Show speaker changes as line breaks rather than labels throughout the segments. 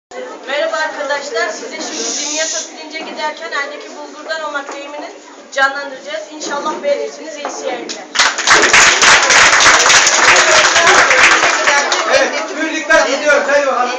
Merhaba arkadaşlar, size şimdi Dimyat'a pirince giderken eldeki bulgurdan olmak deyimini canlandıracağız. İnşallah beğenirsiniz, iyi seyirler.
Evet, birlikler gidiyoruz. Hadi bakalım.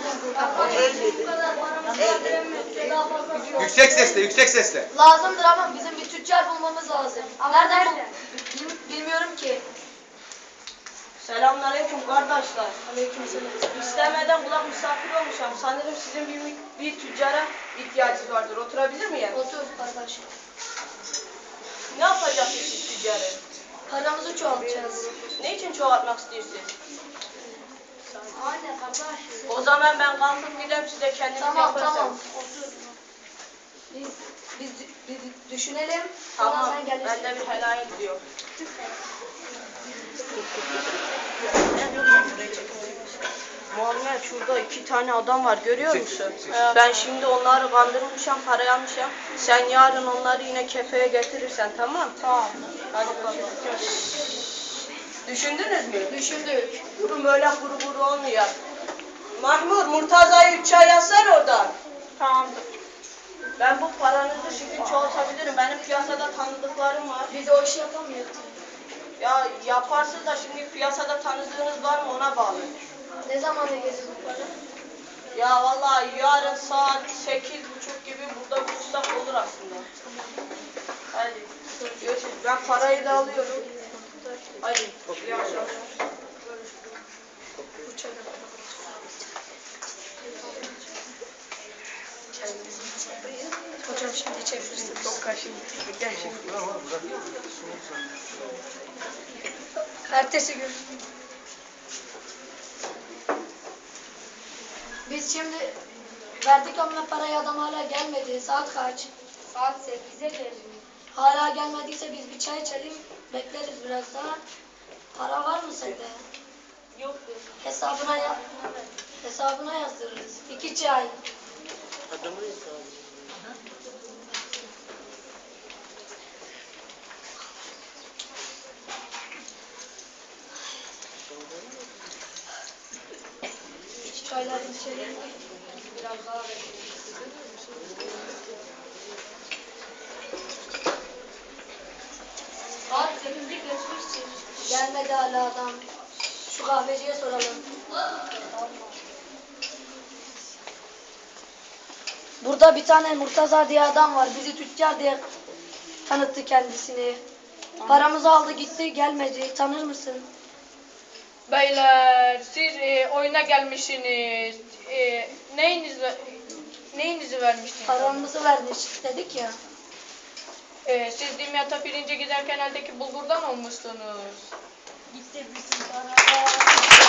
Yüksek sesle, yüksek sesle.
Lazımdır ama bizim bir tüccar bulmamız lazım. Nereden bilmiyorum ki.
Selamünaleyküm kardeşler.
Aleykümselam.
İstemeden kulak misafir olmuşum. Sanırım sizin bir tüccara ihtiyacınız vardır. Oturabilir miyim?
Otur kardeş.
Ne yapacaksınız siz tüccarı?
Paramızı çoğaltacağız.
Ne için çoğaltmak istiyorsunuz?
Aynen kardeş.
O zaman ben kalkıp gideyim, size kendiniz yaparsınız.
Tamam. Otur. Biz düşünelim. Sonra
Tamam,
sen gelirsin.
ben de bir helal ediyorum. Muhammed, şurada 2 tane adam var, görüyor musun? Ben şimdi onları kandırmışım, parayı almışım. Sen yarın onları yine kefeye getirirsen, tamam? Tamam. Hadi bakalım. Düşündünüz mü?
Düşündük.
Durun, böyle kuru kuru olmuyor. Mahmut, Murtaza'yı 3 çay yazsana oradan. Tamamdır. Ben bu paranızı şimdi çoğaltabilirim. Benim piyasada tanıdıklarım var.
Biz o işi yapamıyoruz.
Ya yaparsın da şimdi piyasada tanıdığınız var mı, ona bağlı.
Ne zaman gelir bu para?
Ya vallahi yarın saat 8:30 gibi burada buluşsak olur aslında. Hadi görüşürüz. Ben parayı da alıyorum. Hadi. İyi akşamlar.
Hocam şimdi çevirsin.
Çok kaşın. Gel şimdi.
Ertesi gün. Biz şimdi verdik ama parayı, adam hala gelmedi. Saat kaç?
Saat 8'e geliyor.
Hala gelmediyse biz bir çay içelim, bekleriz biraz daha. Para var mı sende?
Yok.
Hesabına yazdırırız. 2 çay. Çayları içelim. Biraz daha bekleyelim.
Saat 8'i geçmiştir.
Gelmedi hala adam. Şu kahveciye soralım. Burada bir tane Murtaza diye adam var. Bizi tüccar diye tanıttı kendisini. Paramızı aldı gitti, gelmedi. Tanır mısın?
Beyler, siz oyuna gelmişsiniz. Neyinizi vermiştiniz?
Paramızı vermiş dedik ya.
Siz Dimyat'a pirince giderken eldeki bulgurdan olmuşsunuz.
Gitti bizim para.